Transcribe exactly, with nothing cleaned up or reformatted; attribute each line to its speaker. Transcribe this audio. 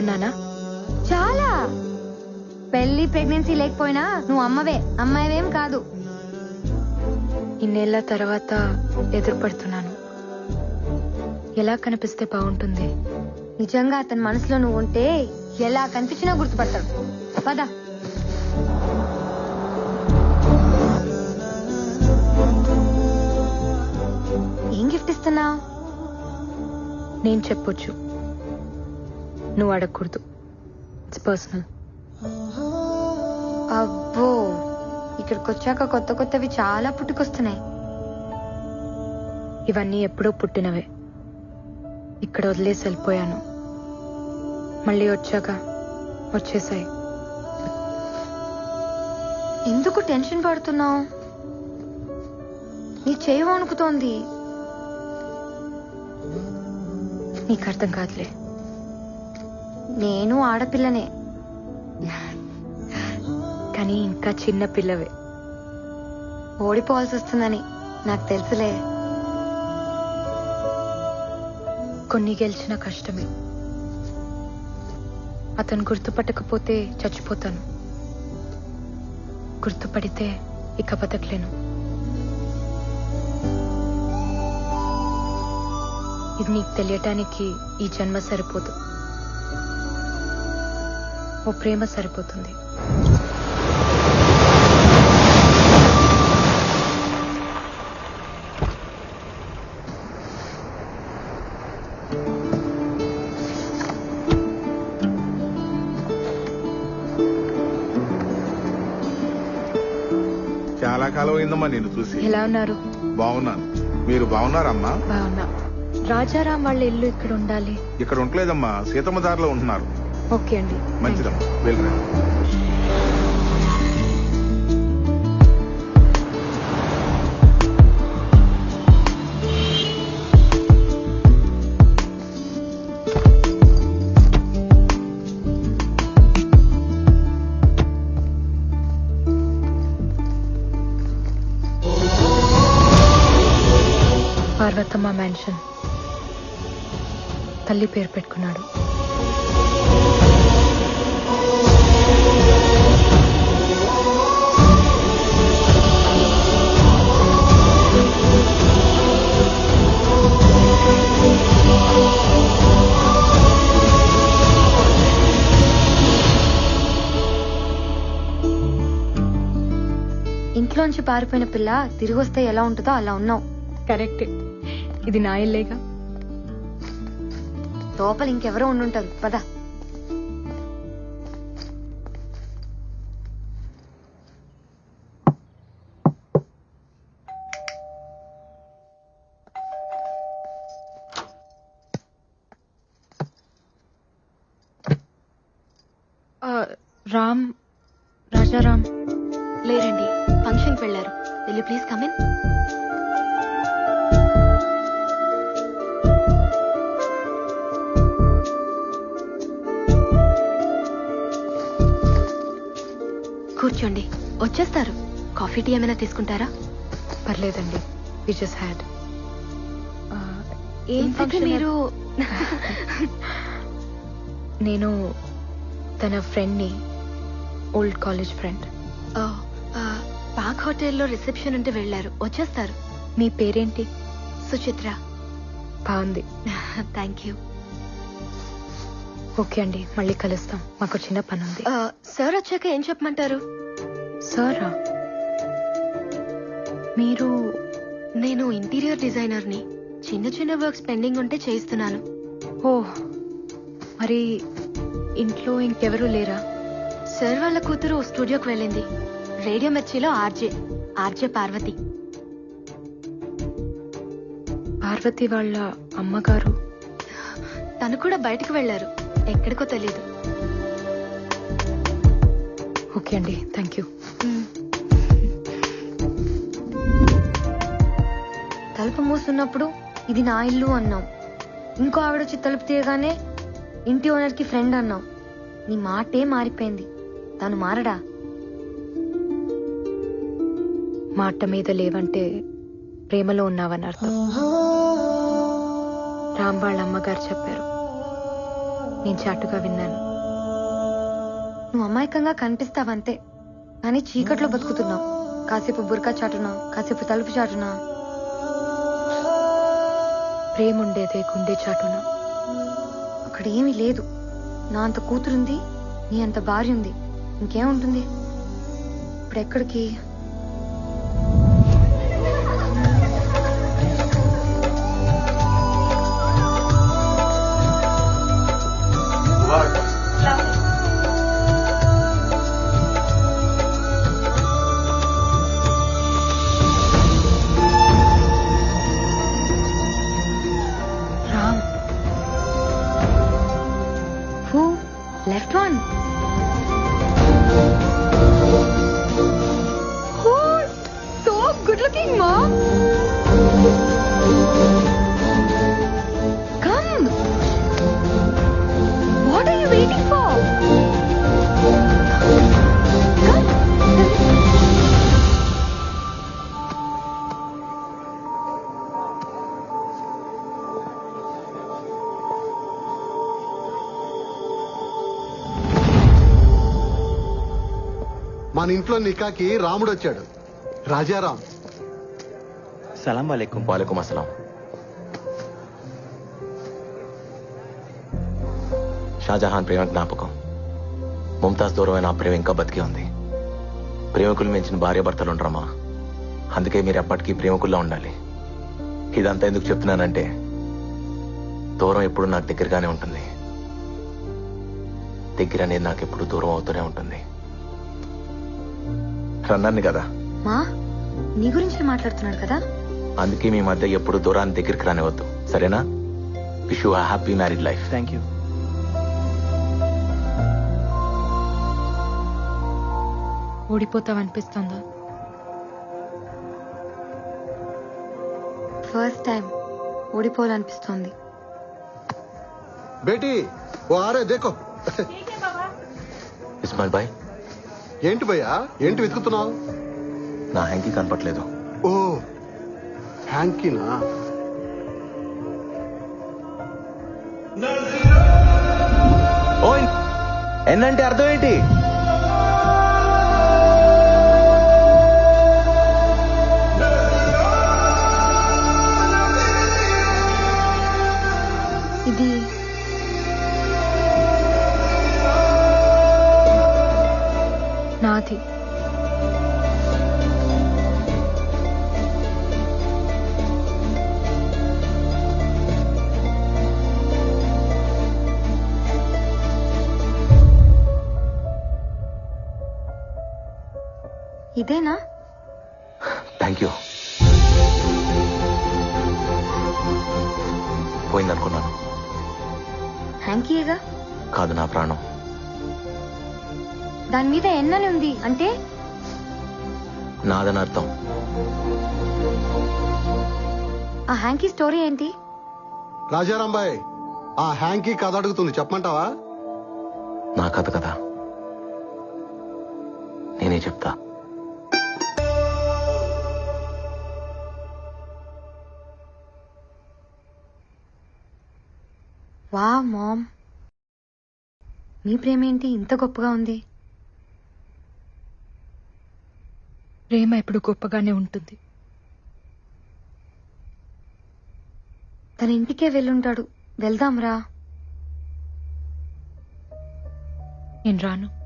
Speaker 1: ఉన్నానా?
Speaker 2: చాలా. పెళ్లి ప్రెగ్నెన్సీ లేకపోయినా నువ్వు అమ్మవే, అమ్మాయివేం కాదు.
Speaker 1: ఇన్నేళ్ల తర్వాత ఎదురుపడుతున్నాను. ఎలా కనిపిస్తే బాగుంటుంది?
Speaker 2: నిజంగా అతని మనసులో నువ్వు ఉంటే ఎలా కనిపించినా గుర్తుపడతాడు. పద. ఏం గిఫ్ట్ ఇస్తున్నావు?
Speaker 1: నేను చెప్పొచ్చు, నువ్వు అడగకూడదు. It's personal.
Speaker 2: అబ్బో, ఇక్కడికి వచ్చాక కొత్త కొత్తవి చాలా పుట్టుకొస్తున్నాయి.
Speaker 1: ఇవన్నీ ఎప్పుడో పుట్టినవే. ఇక్కడ వదిలేసి వెళ్ళిపోయాను, మళ్ళీ వచ్చాక వచ్చేసాయి.
Speaker 2: ఎందుకు టెన్షన్ పడుతున్నావు? నీ చేయి వణుకుతోంది.
Speaker 1: నీకు అర్థం కాదులే.
Speaker 2: నేను ఆడపిల్లనే,
Speaker 1: కానీ ఇంకా చిన్న పిల్లవే.
Speaker 2: ఓడిపోవాల్సి వస్తుందని నాకు తెలుసులే.
Speaker 1: కొన్ని గెలిచిన కష్టమే. అతను గుర్తుపట్టకపోతే చచ్చిపోతాను, గుర్తుపడితే ఇక బతకలేను. ఇది నీకు తెలియటానికి ఈ జన్మ సరిపోదు, ఓ ప్రేమ సరిపోతుంది.
Speaker 3: చాలా కాలం అయిందమ్మా నేను చూసి.
Speaker 1: ఎలా ఉన్నారు?
Speaker 3: బాగున్నాను, మీరు బాగున్నారమ్మా?
Speaker 1: బాగున్నా. రాజారాం వాళ్ళ ఇల్లు ఇక్కడ ఉండాలి.
Speaker 3: ఇక్కడ ఉండలేదమ్మా, సీతమ్మ దారిలో ఉంటున్నారు.
Speaker 1: ఓకే అండి,
Speaker 3: మంచిదమ్మా, వెళ్ళరా.
Speaker 1: పార్వతమ్మ మ్యాన్షన్. తల్లి పేరు పెట్టుకున్నాడు.
Speaker 2: ఇంట్లోంచి పారిపోయిన పిల్ల తిరిగి వస్తే ఎలా ఉంటుందో అలా ఉన్నావు.
Speaker 1: కరెక్టే, ఇది నా ఇల్లేగా.
Speaker 2: లోపల ఇంకెవరో ఉండుంటారు. పద.
Speaker 1: రామ్, రాజారాం
Speaker 4: లేరండి, ఫంక్షన్కి వెళ్ళారు. Will you please come in? కూర్చోండి, వచ్చేస్తారు. కాఫీ టీ ఏమైనా తీసుకుంటారా?
Speaker 1: పర్లేదండి, వి జస్ట్ హ్యాడ్.
Speaker 4: ఏంటి మీరు?
Speaker 1: నేను తన ఫ్రెండ్ని, ఓల్డ్ కాలేజ్ ఫ్రెండ్.
Speaker 4: పాక్ హోటల్లో రిసెప్షన్ ఉంటే వెళ్ళారు, వచ్చేస్తారు.
Speaker 1: మీ పేరేంటి?
Speaker 4: సుచిత్ర.
Speaker 1: బాగుంది.
Speaker 4: Thank you.
Speaker 1: ఓకే అండి, మళ్ళీ కలుస్తాం, మాకు చిన్న పని ఉంది.
Speaker 4: సార్ వచ్చాక ఏం చెప్పమంటారు?
Speaker 1: సారా? మీరు?
Speaker 4: నేను ఇంటీరియర్ డిజైనర్ని. చిన్న చిన్న వర్క్స్ పెండింగ్ ఉంటే చేయిస్తున్నాను.
Speaker 1: ఓ, మరి ఇంట్లో ఇంకెవరూ లేరా?
Speaker 4: సార్ వాళ్ళ కూతురు స్టూడియోకి వెళ్ళింది. రేడియో మిర్చిలో ఆర్జే ఆర్జే పార్వతి.
Speaker 1: పార్వతి వాళ్ళ అమ్మగారు?
Speaker 4: తను కూడా బయటకు వెళ్లారు, ఎక్కడికో తెలియదు.
Speaker 1: ఓకే అండి, థ్యాంక్ యూ.
Speaker 2: తలుపు మూసున్నప్పుడు ఇది నా ఇల్లు అన్నావు. ఇంకో ఆవిడొచ్చి తలుపు తీయగానే ఇంటి ఓనర్ కి ఫ్రెండ్ అన్నావు. నీ మాటే మారిపోయింది. తను మారడా?
Speaker 1: మాట మీద లేవంటే ప్రేమలో ఉన్నావని అర్థం. రామ్ వాళ్ళ అమ్మగారు చెప్పారు. నేను చాటుగా విన్నాను.
Speaker 2: నువ్వు అమాయకంగా కనిపిస్తావంతే, కానీ చీకట్లో బతుకుతున్నావు. కాసేపు బురకా చాటునా, కాసేపు తలుపు చాటునా.
Speaker 1: ప్రేమ ఉండేదే గుండె చాటున.
Speaker 2: అక్కడ ఏమీ లేదు. నా అంత కూతురుంది, నీ అంత భార్య ఉంది, ఇంకేముంటుంది? ఇప్పుడు ఎక్కడికి?
Speaker 1: Ram,
Speaker 2: who left one? So good looking ma'am. Come, what are you waiting for? Come.
Speaker 5: మన ఇంట్లో నికాకి రాముడు వచ్చాడు, రాజారాం.
Speaker 6: సలాం వాలేకుం. వాలేకుం అస్సలాం. షాజహాన్ ప్రేమ జ్ఞాపకం. ముంతాజ్ దూరమైన ఆ ప్రేమ ఇంకా బతికి ఉంది. ప్రేమికులు మించిన భార్యాభర్తలు ఉండరమ్మా. అందుకే మీరు ఎప్పటికీ ప్రేమికుల్లో ఉండాలి. ఇదంతా ఎందుకు చెప్తున్నానంటే దూరం ఎప్పుడు నాకు దగ్గరగానే ఉంటుంది. దగ్గర అనేది నాకు ఎప్పుడు దూరం అవుతూనే ఉంటుంది. రన్నాన్ని కదా,
Speaker 2: మా నీ గురించి మాట్లాడుతున్నాడు కదా.
Speaker 6: అందుకే మీ మధ్య ఎప్పుడు దూరాన్ని దగ్గరికి రానివద్దు, సరేనా? Wish you happy married life. Thank you.
Speaker 1: ఓడిపోతావనిపిస్తుందా?
Speaker 2: ఫస్ట్ టైం ఓడిపోవాలనిపిస్తోంది.
Speaker 5: బేటీ ఓ ఆరే దేకో.
Speaker 6: ఇస్మాయిల్ బాయ్,
Speaker 5: ఏంటి భయ్యా, ఏంటి వెతుకుతున్నావు?
Speaker 6: నా హ్యాంకీ కనపట్లేదు.
Speaker 5: ఓ హ్యాంకీనా?
Speaker 6: ఓయ్, ఎన్నంటే అర్థం ఏంటి?
Speaker 2: ఇది
Speaker 1: నాది.
Speaker 2: ఇదేనా?
Speaker 6: Thank you. పోయిందనుకున్నాను.
Speaker 2: హ్యాంకీయేగా.
Speaker 6: కాదు, నా ప్రాణం.
Speaker 2: దాని మీద ఎన్నని ఉంది అంటే?
Speaker 6: నాదని అర్థం.
Speaker 2: ఆ హ్యాంకీ స్టోరీ ఏంటి?
Speaker 5: రాజారాం బాయ్, ఆ హ్యాంకీ కథ అడుగుతుంది, చెప్పమంటావా?
Speaker 6: నా కథ కదా, నేనే చెప్తా.
Speaker 2: వా మామ్, మీ ప్రేమ ఏంటి ఇంత గొప్పగా ఉంది?
Speaker 1: ప్రేమ ఎప్పుడు గొప్పగానే ఉంటుంది.
Speaker 2: తన ఇంటికే వెళ్ళుంటాడు, వెళ్దాంరా.
Speaker 1: నేను రాను.